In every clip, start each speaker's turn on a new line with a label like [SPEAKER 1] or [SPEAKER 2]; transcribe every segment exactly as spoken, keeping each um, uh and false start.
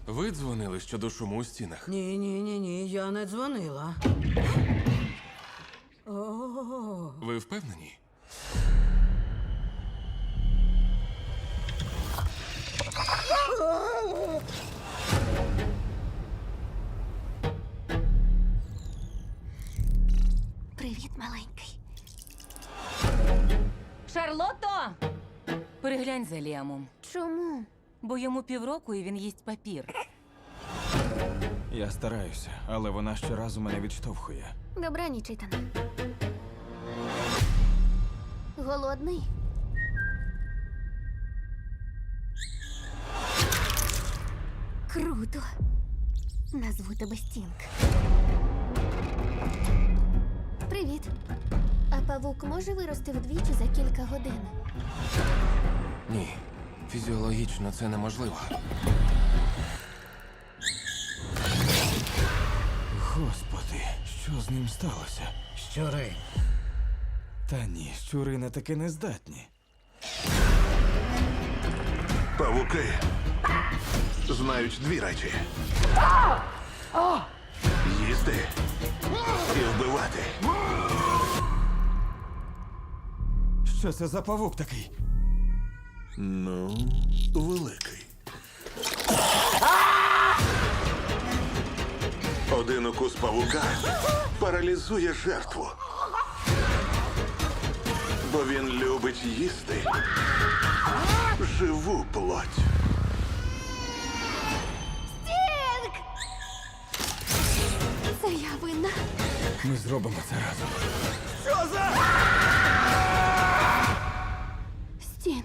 [SPEAKER 1] Ви дзвонили щодо шуму у стінах?
[SPEAKER 2] Ні, ні, ні, ні, я не дзвонила. О,
[SPEAKER 1] Ви впевнені?
[SPEAKER 3] Привіт, маленький.
[SPEAKER 4] Шарлотто! Переглянь за Ліамом.
[SPEAKER 3] Чому?
[SPEAKER 4] Бо йому півроку і він їсть папір.
[SPEAKER 5] Я стараюся, але вона щоразу мене відштовхує.
[SPEAKER 3] Добраніч, Ітане. Голодний? Круто. Назву тебе Стінг. Привіт. А павук може вирости вдвічі за кілька годин?
[SPEAKER 1] Ні. Фізіологічно це неможливо.
[SPEAKER 5] Господи, що з ним сталося?
[SPEAKER 2] щури.
[SPEAKER 5] Та ні, щури на таке не здатні.
[SPEAKER 6] Павуки знають дві речі: їсти і вбивати.
[SPEAKER 5] Що це за павук такий?
[SPEAKER 6] Ну, великий. Один укус павука паралізує жертву. Бо він любить їсти живу плоть.
[SPEAKER 3] Стінг! Це я винна.
[SPEAKER 5] Ми зробимо це разом.
[SPEAKER 3] Стінг.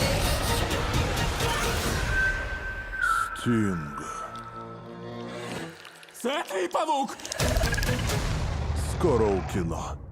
[SPEAKER 6] Стінг.
[SPEAKER 5] Це твій павук!
[SPEAKER 6] Скоро у кіно.